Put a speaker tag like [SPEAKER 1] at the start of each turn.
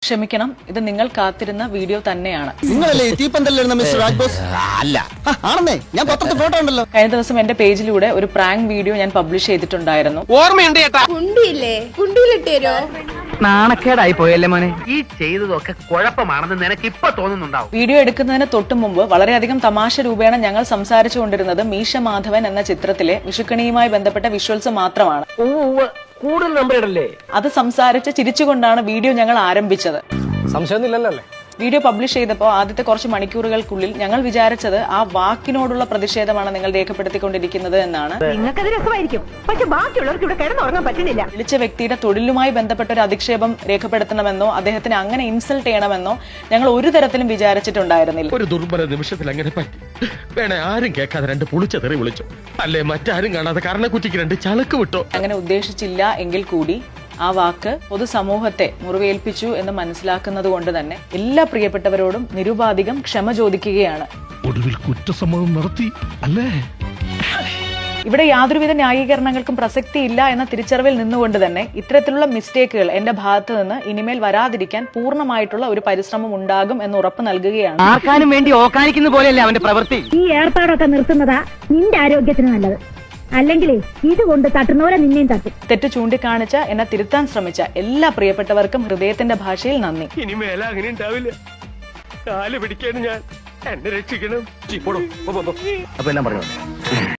[SPEAKER 1] ക്ഷമിക്കണം, ഇത് നിങ്ങൾ കാത്തിരുന്ന വീഡിയോ തന്നെയാണ്.
[SPEAKER 2] നിങ്ങളല്ലേ തീപ്പന്തലിരുന്ന മിസ്റ്റർ രാജ്ബോസ്? അല്ല, ആണെന്നേ, ഞാൻ പത്രത്തിൽ ഫോട്ടോ ഉണ്ടല്ലോ.
[SPEAKER 1] കഴിഞ്ഞ ദിവസം എന്റെ പേജിലൂടെ ഒരു പ്രാങ്ക് വീഡിയോ ഞാൻ പബ്ലിഷ് ചെയ്തിട്ടുണ്ടായിരുന്നു.
[SPEAKER 3] ഓർമ്മയുണ്ട് ചേട്ടാ? കുണ്ടിയില്ലേ, കുണ്ടിയിലിട്ടേരോ?
[SPEAKER 4] നാണക്കേടായി പോയല്ലേ മോനെ. ഈ ചെയ്തതൊക്കെ കുഴപ്പമാണെന്ന് നിനക്ക് ഇപ്പൊ തോന്നുന്നുണ്ടാവും.
[SPEAKER 1] വീഡിയോ എടുക്കുന്നതിന് തൊട്ടു മുമ്പ് വളരെയധികം തമാശ രൂപേണ ഞങ്ങൾ സംസാരിച്ചുകൊണ്ടിരുന്നത് മീശ മാധവൻ എന്ന ചിത്രത്തിലെ വിഷുക്കണിയുമായി ബന്ധപ്പെട്ട വിഷ്വൽസ് മാത്രമാണ്.
[SPEAKER 4] കൂടുതൽ നമ്പർ ഇടല്ലേ?
[SPEAKER 1] അത് സംസാരിച്ച് ചിരിച്ചുകൊണ്ടാണ് വീഡിയോ ഞങ്ങൾ ആരംഭിച്ചത്.
[SPEAKER 3] സംശയമൊന്നുമില്ലല്ലേ?
[SPEAKER 1] വീഡിയോ പബ്ലിഷ് ചെയ്തപ്പോൾ ആദ്യത്തെ കുറച്ച് മണിക്കൂറുകൾക്കുള്ളിൽ ഞങ്ങൾ വിചാരിച്ചത് ആ വാക്കിനോടുള്ള പ്രതിഷേധമാണ് നിങ്ങൾ രേഖപ്പെടുത്തിക്കൊണ്ടിരിക്കുന്നത് എന്നാണ്.
[SPEAKER 5] നിങ്ങൾക്കത് രസമായിരിക്കും, പക്ഷെ ബാക്കിയുള്ളവർക്ക് ഇവിടെ കിടന്നുറങ്ങാൻ പറ്റുന്നില്ല.
[SPEAKER 1] വിളിച്ച വ്യക്തിയുടെ തൊഴിലുമായി ബന്ധപ്പെട്ട ഒരു അധിക്ഷേപം രേഖപ്പെടുത്തണമെന്നോ അദ്ദേഹത്തിന് അങ്ങനെ ഇൻസൾട്ട് ചെയ്യണമെന്നോ ഞങ്ങൾ ഒരു തരത്തിലും വിചാരിച്ചിട്ടുണ്ടായിരുന്നില്ല.
[SPEAKER 6] ഒരു ദുർബല നിമിഷത്തിൽ അങ്ങനെ പറ്റി. വേണേ ആരും കേൾക്കാതെ രണ്ട് പുളിച്ച തെറി വിളിച്ചു, അല്ലേ മറ്റാരും കാണാതെ കർണക്കുറ്റിക്ക് രണ്ട് ചളക്ക് വിട്ടോ.
[SPEAKER 1] അങ്ങനെ ഉദ്ദേശിച്ചില്ല എങ്കിൽ കൂടി ആ വാക്ക് പൊതുസമൂഹത്തെ മുറിവേൽപ്പിച്ചു എന്ന് മനസ്സിലാക്കുന്നത് കൊണ്ട് തന്നെ എല്ലാ പ്രിയപ്പെട്ടവരോടും നിരുപാധികം ക്ഷമ ചോദിക്കുകയാണ്.
[SPEAKER 6] ഒടുവിൽ കുറ്റസമ്മതം നടത്തി അല്ലേ?
[SPEAKER 1] ഇവിടെ യാതൊരുവിധ ന്യായീകരണങ്ങൾക്കും പ്രസക്തിയില്ല എന്ന തിരിച്ചറിവിൽ നിന്നുകൊണ്ട് തന്നെ ഇത്തരത്തിലുള്ള മിസ്റ്റേക്കുകൾ എന്റെ ഭാഗത്ത് നിന്ന് ഇനിമേൽ വരാതിരിക്കാൻ പൂർണ്ണമായിട്ടുള്ള ഒരു പരിശ്രമം ഉണ്ടാകും എന്ന് ഉറപ്പ് നൽകുകയാണ്.
[SPEAKER 4] ആർക്കാനും വേണ്ടി ഓക്കാനിക്കുന്ന പോലെയല്ലേ അവന്റെ പ്രവൃത്തി.
[SPEAKER 5] ഈ ഏർപ്പാടൊക്കെ നിർത്തുന്നതാ നിന്റെ ആരോഗ്യത്തിന് നല്ലത്. അല്ലെങ്കിൽ ഇതുകൊണ്ട് തട്ടുന്നവരെ നിന്നെയും തട്ടും.
[SPEAKER 1] തെറ്റ് ചൂണ്ടിക്കാണിച്ച എന്നെ തിരുത്താൻ ശ്രമിച്ച എല്ലാ പ്രിയപ്പെട്ടവർക്കും ഹൃദയത്തിന്റെ ഭാഷയിൽ നന്ദി.
[SPEAKER 6] ഇനി മേല അങ്ങനെ ഉണ്ടാവില്ല. കാല് പിടിക്കാൻ ഞാൻ എന്നെ രക്ഷിക്കണം.
[SPEAKER 4] അപ്പൊ എല്ലാം പറഞ്ഞു.